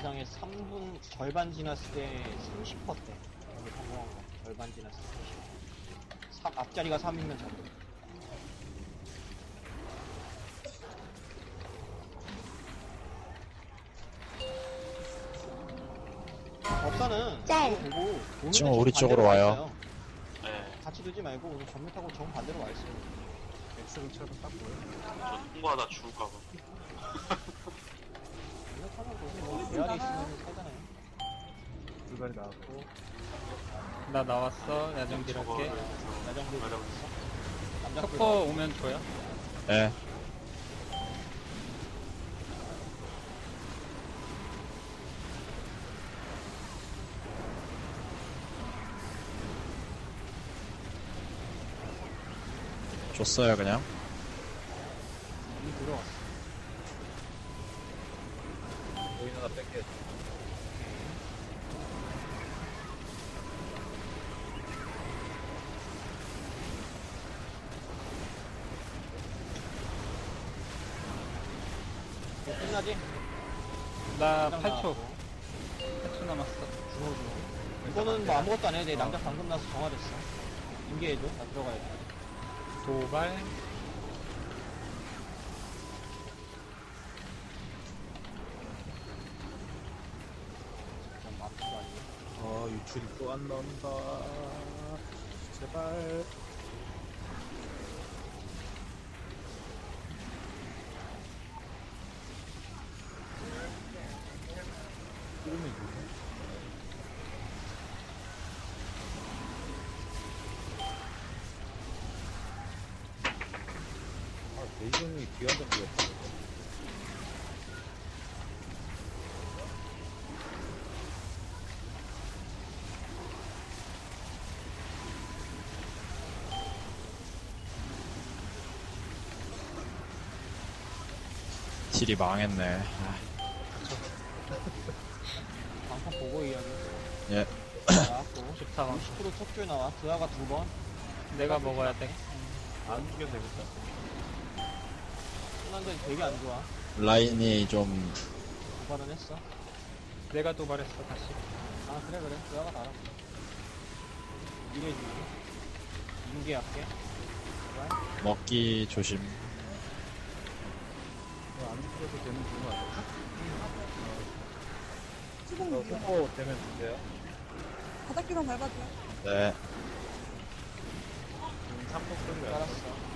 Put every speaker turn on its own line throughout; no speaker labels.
이상의 3분 절반 지났을 때 30%대. 여기 성공한 거. 절반 지났을 때 30%. 앞자리가 3이면 잡고. 법사는
짤.
그거 보고 오늘은
지금
정
우리 쪽으로
반대로
와요.
와 있어요.
네.
같이 두지 말고 오늘 전면 타고 정 반대로 와 있어요.
X를 딱 보여.
저 통과하다 죽을까봐.
전면 타면 뭐 대알이 있으면 살잖아요.
불발이 나왔고.
나 나왔어. 야정딜 할게.
야정도
맞아.
남자
터퍼 오면 줘요.
예. 줬어요 그냥.
이미 들어왔어.
보이는 거 뺄게.
뭐 끝나지?
나
장
8초.
나왔고.
8초 남았어.
이거는 뭐 아무것도 안 해도 돼. 남자 방금 나서 정화됐어. 인계해줘. 나 들어가야 돼.
도발.
좀 맘치도 아니고.
유출이 또 안 나온다. 제발. 이러면 이거. 대중이 뒤한번 뛰었어.
딜이 망했네.
방판 보고 이야기.
예.
나왔고.
좋다.
60% 척줄 나와. 드아가 2번.
내가 먹어야 돼.
안 죽여도 되겠다.
끝난데 되게 안 좋아.
라인이 좀
도발은 했어.
내가 도발했어 다시.
아, 그래. 드아가 나라. 이래주기. 인계할게.
먹기 조심.
이거 안 죽여도 되는 부분 아니야?
수동
속보 되면 주세요.
바닥기만 밟아줘요.
네.
3번 끌면
알았어.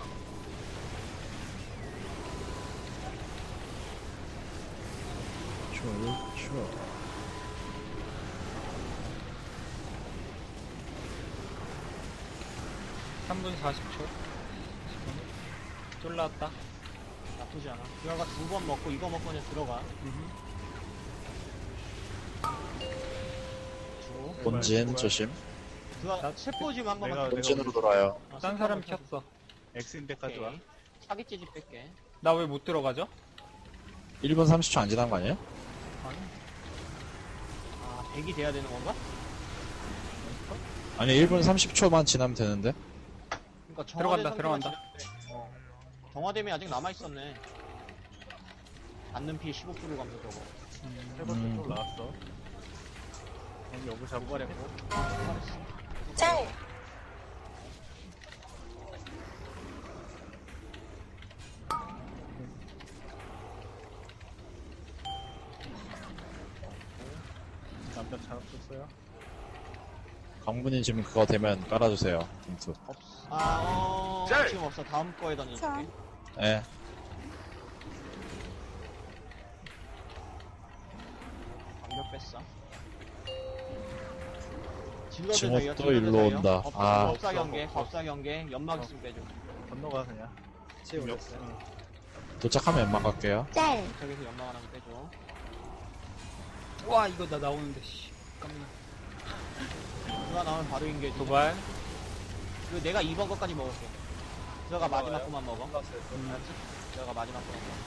쫄쫄.
3분 40초. 쫄라왔다.
나쁘지 않아. 드아가 2번 먹고 이거 먹고 그냥 들어가. 주.
본진 조심.
드아, 체포짐 한 번만.
내가-
본진으로 돌아요.
아,
딴 사람 켰어.
X인데까지 와.
오케이. 사기 찌집 뺄게.
나 왜 못 들어가죠?
1분 30초 안 지난 거 아니에요?
아, 100이 돼야 되는 건가?
아니 1분 30초만 지나면 되는데.
그러니까
들어간다, 들어간다.
정화됨이 아직 남아있었네. 받는 피해 15% 감소 저거.
세 번째 또 나왔어. 여기 여기 잡고
도발했고.
짤.
남자 잡았어요.
강분이 지금 그거 되면 깔아주세요. 딩투.
짤!
지금 없어. 다음 거에 던질게.
자.
예.
방벽 뺐어.
지금 또 일로 온다. 아.
법사 경계, 법사 경계, 연막 있으면 빼줘.
건너가 그냥. 지금 역.
도착하면 연막 갈게요.
짤.
저기서 연막 하나 빼줘.
와 이거 나 나오는데. 씨. 깜짝이야.
그가 나오면 바로 인계.
도발.
그리고 내가 2번 거까지 먹을게. 들어가 마지막 거만 먹어.
건너갔어요.
알았지? 들어가 마지막 거만 먹어.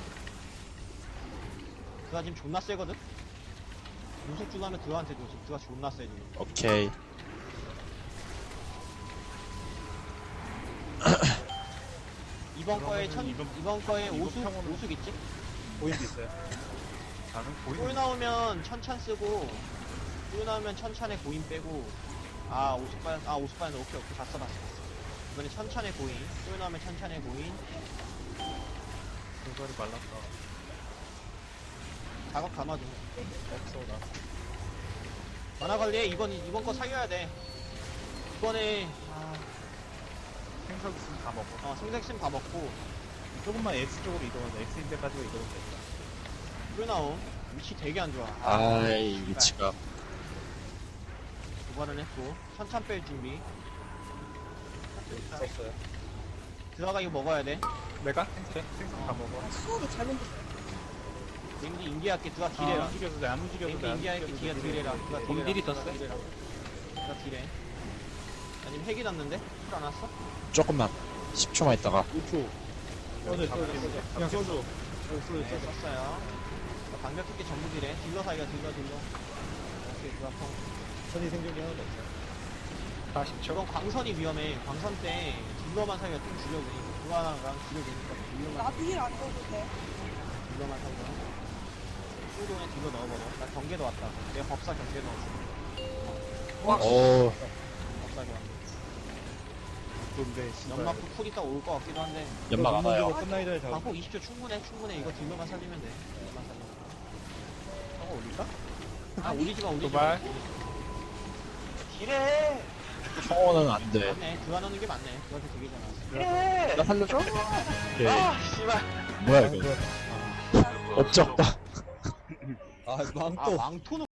그가 지금 존나 세거든? 무속 주나면 드아한테 줘. 지금 드아 존나 세 지금.
오케이.
이번 거에
그러면은 이번
이번 거에
이번
오숙
평원은-
오숙 있지?
보이도 있어요. 나는
꿀
보이는
나오면 천찬 쓰고, 꿀 나오면 천찬에 고인 빼고, 아, 50반, 오케이, 봤어. 이번에 천찬에 고인, 꿀 나오면 천찬에 고인,
대가리 말랐다.
작업 감아줘.
없어, 나.
만화 관리해, 이번 거 살려야 돼. 이번에,
생석 있으면 다 먹어.
생색심 다 먹고,
조금만 X 쪽으로 이동하자. X인데 가지고 이동하면 되겠다.
꿀 나옴. 위치 되게 안 좋아.
아이, 위치가.
도발은 했고, 천찬 뺄 준비.
썼어요.
들어가 이거 먹어야 돼.
내가? 생석 다 먹어.
수업이 잘못 됐어.
왠지 인기할게, 들어가 딜해라.
안 움직여도 돼, 안 움직여도
왠지
돼.
인기할게, 뒤가 딜해라. 들어가 딜해라.
곰딜이 떴어?
들어가 딜해. 아니면 핵이 났는데? 풀 안 왔어?
조금만. 10초만 있다가.
5초. 그냥 써줘.
네, 썼어요. 방벽 깊게 전부 딜해. 딜러 사이가 딜러. 오케이, 그 앞으로.
선이 생존이 하나도 없어.
40초.
저건 광선이 위험해. 광선 때 딜러만 사이가 좀 줄여 그니까. 그 하나랑 줄여 그니까. 딜러만,
나도 힐안 넣어도 돼.
딜러만 사이가. 수동에 딜러 넣어버려. 나 경계도 왔다. 내가 법사 경계 넣었어.
오,
법사 경계.
근데,
연막도 풀 있다 올 것 같기도 한데.
연막 안 와요.
끝나기 전에 잡아.
방폭 20초 충분해. 이거 딜러만 살리면 돼. 딜러만 살리면 돼.
저거 올릴까?
올리지 마.
도발.
딜해!
청호는 안 돼.
맞네. 교환하는 게 맞네. 그한테 되게 잘 나왔어.
나 살려줘? 오케이.
씨발.
뭐야, 이거. 업적 없다.
망토는